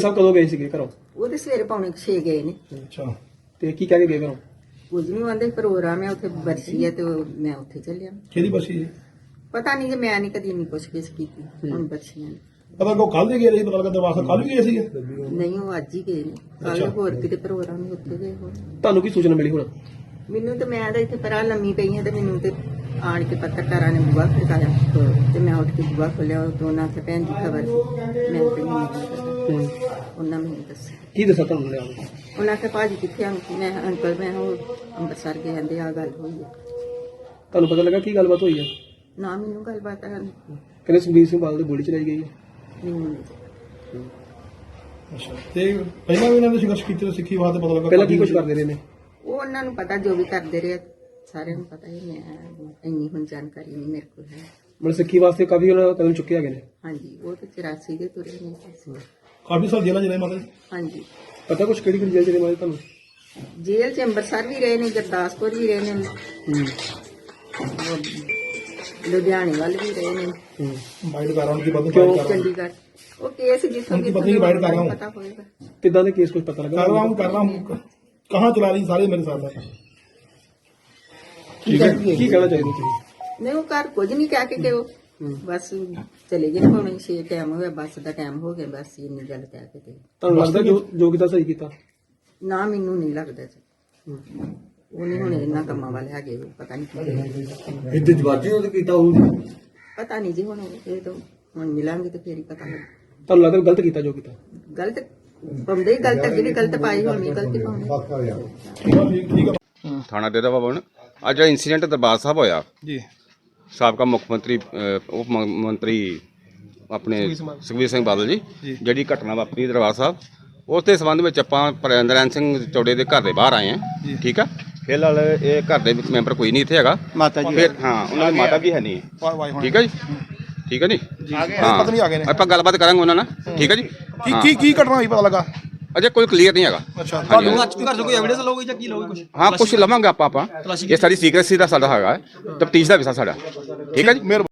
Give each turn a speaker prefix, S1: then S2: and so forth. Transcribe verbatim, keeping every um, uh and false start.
S1: ਸਾਹਿਬ ਕਦੋਂ ਗਏ ਸੀਗੇ ਘਰੋਂ?
S2: ਉਹ ਤੇ ਸਵੇਰੇ ਪੌਣੇ ਛੇ ਗਏ ਨੇ।
S1: ਅੱਛਾ, ਤੇ ਕੀ ਕਹਿ ਕੇ ਗਏ ਘਰੋਂ?
S2: ਕੁਝ ਨਹੀਂ ਆਂਦੇ, ਪ੍ਰੋਗਰਾਮ ਹੈ ਉੱਥੇ, ਬਰਸੀ ਹੈ ਤੇ ਉਹ- ਮੈਂ ਉੱਥੇ ਚੱਲਿਆ।
S1: ਕਿਹਦੀ ਬਰਸੀ ਜੀ?
S2: ਪਤਾ ਨਹੀਂ, ਜੇ ਮੈਂ ਨਹੀਂ ਕਦੀ ਨਹੀਂ ਪੁੱਛ ਗਿੱਛ ਕੀਤੀ ਹੁਣ ਬੱਚੀਆਂ ਨੇ।
S1: ਪਤਾ ਕੋ ਕੱਲ ਦੇ ਗਏ ਸੀ, ਪਤਾ ਲੱਗਾ ਦਰਵਾਜ਼ਾ ਕੱਲ ਵੀ ਗਏ ਸੀ।
S2: ਨਹੀਂ, ਉਹ ਅੱਜ ਹੀ ਗਏ ਨੇ। ਕੱਲ ਹੋਰ ਕਿਤੇ ਪ੍ਰੋਗਰਾਮ ਨਹੀਂ, ਉੱਥੇ ਗਏ ਹੋਣ।
S1: ਤੁਹਾਨੂੰ ਕੀ ਸੂਚਨਾ ਮਿਲੀ ਹੁਣ?
S2: ਮੈਨੂੰ ਤੇ, ਮੈਂ ਤਾਂ ਇੱਥੇ ਪਰਾਂ ਲੰਮੀ ਪਈ ਹਾਂ ਤੇ ਮੈਨੂੰ ਤੇ ਆਣ ਕੇ ਪੱਤਰਕਾਰਾਂ ਨੇ ਬੁਆ ਖੜਕਾਇਆ ਤੇ ਮੈਂ ਉੱਠ ਕੇ ਬੁਆ ਖੋਲਿਆ। ਉਹ ਦੋਨਾਂ ਤੇ ਭੈਣ ਦੀ ਖਬਰ ਸੀ, ਮੈਂ ਤੇ ਨਹੀਂ ਪਤਾ। ਉਹਨਾਂ ਮੈਨੂੰ ਦੱਸਿਆ।
S1: ਕੀ ਦੱਸਿਆ ਤੁਹਾਨੂੰ ਲਿਆ?
S2: ਉਹਨਾਂ ਕੇ ਭਾਜੀ ਕਿੱਥੇ ਆਂ? ਮੈਂ ਅੰਕਲ ਮੈਂ ਉਹ ਅੰਮ੍ਰਿਤਸਰ ਗਏ ਆਂਦੇ ਆ ਗੱਲ ਹੋਈ ਹੈ।
S1: ਤੁਹਾਨੂੰ ਪਤਾ ਲੱਗਾ ਕੀ ਗੱਲਬਾਤ ਹੋਈ ਹੈ?
S2: ਨਾ ਮੈਨੂੰ ਗੱਲਬਾਤ ਹੈ
S1: ਕਹਿੰਦੇ ਸੁਖਬੀਰ ਸਿੰਘ ਬਾਦਲ ਦੀ ਗੋਲੀ ਚਲਾਈ ਗਈ ਹੈ।
S2: ਨਹੀਂ।
S1: ਅੱਛਾ, ਤੇ ਪਹਿਲਾਂ ਵੀ ਇਹਨਾਂ ਨੇ ਸੰਘਰਸ਼ ਕੀਤੇ, ਸਿੱਖੀ ਬਾਤ ਪਤਾ ਲੱਗਾ ਪਹਿਲਾਂ ਕੀ ਕੁਝ ਕਰਦੇ ਰਹੇ ਨੇ?
S2: ਉਹ ਉਹਨਾਂ ਨੂੰ ਪਤਾ, ਜੋ ਵੀ ਕਰਦੇ ਰਹੇ ਸਾਰਿਆਂ ਨੂੰ ਪਤਾ ਹੀ। ਮੈਂ ਇੰਨੀ ਹੁਣ ਜਾਣਕਾਰੀ ਨਹੀਂ ਮੇਰੇ ਕੋਲ ਹੈ।
S1: ਮਤਲਬ ਸਿੱਖੀ ਵਾਸਤੇ ਕਾਫੀ ਉਹਨਾਂ ਕਦਮ ਚੁੱਕੇ ਹੈਗੇ ਨੇ।
S2: ਹਾਂਜੀ, ਉਹ ਤੇ ਚੁਰਾਸੀ ਦੇ ਤੁਰੇ ਨੇ।
S1: ਕਾਫੀ ਸਾਲ ਜੇਲ੍ਹਾਂ ਜਿਹੜੇ ਮਤਲਬ
S2: ਹਾਂਜੀ,
S1: ਪਤਾ ਕੁਝ ਕਿਹੜੀ ਕਿਹੜੀ ਜੇਲ੍ਹ ਜਿਹੜੇ ਮਾਰੇ ਤੁਹਾਨੂੰ?
S2: ਜੇਲ੍ਹ ਚ ਅੰਮ੍ਰਿਤਸਰ ਵੀ ਰਹੇ ਨੇ, ਗੁਰਦਾਸਪੁਰ ਵੀ ਰਹੇ ਨੇ, ਲੁਧਿਆਣੇ ਵੱਲ ਵੀ ਰਹੇ ਨੇ,
S1: ਬਾਈਟ ਕਰ ਰਹਾ ਹਾਂ ਕਿ ਬਦਲ
S2: ਕਿਉਂ ਚੰਡੀਗੜ੍ਹ। ਉਹ ਕੇਸ ਜਿੱਥੋਂ
S1: उनकी पत्नी की बाइट कर रहा हूँ।
S2: ਪਤਾ ਹੋਏਗਾ।
S1: कितना ਦੇ केस कुछ पता लगा? कर रहा हूँ कर रहा हूँ कहाँ चला रही सारे मेरे साथ है। ठीक है, की कहना चाहिए ਤੁਸੀਂ?
S2: ਨਹੀਂ, ਉਹ ਘਰ ਕੁਝ ਨਹੀਂ ਕਹਿ ਕੇ ਕਿ ਉਹ ਬਸ ਚਲੇ ਗਏ। ਹੁਣ ਛੇ ਟਾਈਮ ਹੋਇਆ, ਬੱਸ ਦਾ ਟਾਈਮ ਹੋ ਗਿਆ, ਬਸ ਇੰਨੀ ਗੱਲ ਕਹਿ ਕੇ ਤੇ।
S1: ਤੁਹਾਨੂੰ ਲੱਗਦਾ ਜੋ ਜੋ ਕੀਤਾ ਸਹੀ ਕੀਤਾ?
S2: ਨਾ, ਮੈਨੂੰ ਨਹੀਂ ਲੱਗਦਾ ਜੀ। ਉਹ ਨਹੀਂ ਹੁਣ ਇਹਨਾਂ ਕੰਮਾਂ ਵਾਲੇ ਹੈਗੇ, ਪਤਾ ਨਹੀਂ
S1: ਇੱਥੇ ਜਵਾਜੀ ਉਹਦੇ ਕੀਤਾ ਹੋਊ।
S2: ਪਤਾ ਨਹੀਂ ਜੀ, ਹੁਣ ਇਹ ਤਾਂ ਹੁਣ ਮਿਲਾਂਗੇ ਤੇ ਫੇਰ ਹੀ ਪਤਾ ਲੱਗ।
S1: ਤੁਹਾਨੂੰ ਲੱਗਦਾ ਗਲਤ ਕੀਤਾ ਜੋ ਕੀਤਾ?
S2: ਗਲਤ ਪਾਉਂਦੇ ਹੀ ਗਲਤ, ਅੱਗੇ ਵੀ ਗਲਤ ਪਾਈ, ਹੁਣ ਵੀ ਗਲਤੀ ਪਾਉਂਦੇ।
S3: ਥਾਣਾ ਡੇਰਾ ਬਾਬਾ ਬਣ ਅੱਜ ਜਿਹੜਾ ਇੰਸੀਡੈਂਟ ਦਰਬਾਰ ਸਾਹਿਬ ਹੋਇਆ
S1: ਜੀ,
S3: ਸਾਬਕਾ ਮੁੱਖ ਮੰਤਰੀ ਅਹ, ਉਪ ਮ- ਮੰਤਰੀ ਆਪਣੇ ਸੁਖਬੀਰ ਸਿੰਘ ਬਾਦਲ ਜੀ ਜਿਹੜੀ ਘਟਨਾ ਵਾਪਰੀ ਦਰਬਾਰ ਸਾਹਿਬ, ਉਸ ਦੇ ਸੰਬੰਧ ਵਿੱਚ ਆਪਾਂ ਨਰੈਣ ਸਿੰਘ ਚੌੜੇ ਦੇ ਘਰ ਦੇ ਬਾਹਰ ਆਏ ਹਾਂ। ਠੀਕ ਆ, ਫਿਲਹਾਲ ਇਹ ਘਰ ਦੇ ਵਿੱਚ ਮੈਂਬਰ ਕੋਈ ਨਹੀਂ ਇੱਥੇ ਹੈਗਾ।
S4: ਮਾਤਾ ਜੀ
S3: ਫਿਰ ਹਾਂ, ਉਹਨਾਂ ਦੀ ਮਾਤਾ ਵੀ ਹੈ ਨਹੀਂ। ਠੀਕ ਆ ਜੀ, ਠੀਕ ਆ ਜੀ।
S1: ਪਤਨੀ ਆ ਗਏ ਨੇ।
S3: ਹਾਂ, ਆਪਾਂ ਗੱਲਬਾਤ ਕਰਾਂਗੇ ਉਹਨਾਂ ਨਾਲ। ਠੀਕ ਆ ਜੀ।
S1: ਕੀ ਕੀ ਕੀ ਘਟਨਾ ਹੋਈ ਪਤਾ ਲੱਗਾ?
S3: ਅਜੇ ਕੋਈ ਕਲੀਅਰ ਨਹੀਂ ਹੈਗਾ।
S1: ਅੱਛਾ,
S3: ਹਾਂਜੀ,
S1: ਤੁਹਾਨੂੰ
S4: ਘਰ ਤੋਂ ਕੋਈ ਐਵੀਡੈਂਸ ਲਓਗੇ ਜਾਂ ਕੀ ਲਓਗੇ ਕੁਝ?
S3: ਹਾਂ, ਕੁਝ ਲਵਾਂਗੇ ਆਪਾਂ ਆਪਾਂ ਇਹ ਸਾਰੀ ਸੀਕ੍ਰੇਸੀ ਦਾ ਸਾਡਾ ਹੈਗਾ, ਤਫਤੀਸ਼ ਦਾ ਵਿਸ਼ਾ ਸਾਡਾ। ਠੀਕ ਆ ਜੀ।